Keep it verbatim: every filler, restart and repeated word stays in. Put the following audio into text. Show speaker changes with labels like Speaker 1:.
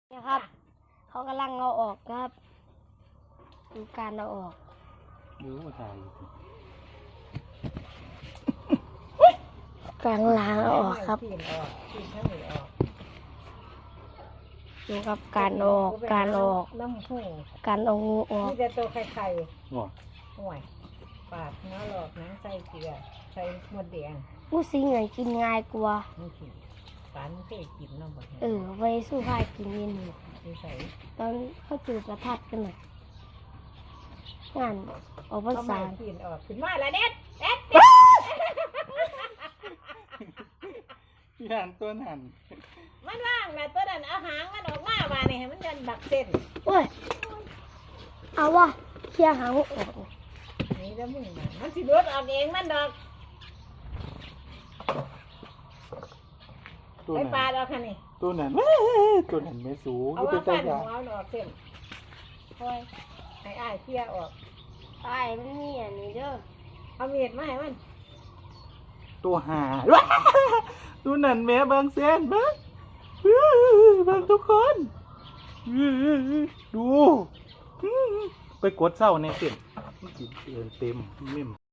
Speaker 1: นะครับเขากำลังเอาออกครับดูการเอาออก
Speaker 2: ดูว่าถ่าย
Speaker 1: การล้างเอาออกครับดูครับการออกการออก
Speaker 3: น้ำหู
Speaker 1: การเอางูออก
Speaker 3: นี่แต่ตัวไข่ไข่
Speaker 2: ว้า
Speaker 3: ห่วยปาดเนื้อหลอกน้ำใส่เกลือใส่หมดแดง
Speaker 1: งูสิงเหงกินง่ายกว่า
Speaker 3: นี่สิปานเคยกินน้ำบ่
Speaker 1: เออไว้สู้พายกินเย็นอยู่
Speaker 3: ใส่
Speaker 1: ตอนเขาจูบประทัดกันหน่อยงานออกภาษา
Speaker 3: กินออกขึ้นมาแล้วเด็ดเด็ด
Speaker 2: พี่หันตัวหัน
Speaker 3: มันว่างนะตัวนั้นเอาหางมันออกมาว่านี่ให้มันดันบักเส้น
Speaker 1: โอ้ยเอาวะเคลียร์หางออก
Speaker 3: นี่แล้วมึงมันสิรดออกเองมันดอกไอ้ปลาดอกค่ะนี่
Speaker 2: ตัวนั้นตัวนั้นไม่สูง
Speaker 3: เอาว่าฟันหัวเอาออกเส้นคอยไอ้อ้ายเคลียร์ออก
Speaker 1: ไอ้มันมีอันนี้เด้อ
Speaker 3: เอาเมียดมาให้มัน
Speaker 2: ตัวหาตัวนั้นแม่บางเส้นบ้างบางทุกคนดูไปกดเศร้าในเส้นเต็มเต็ม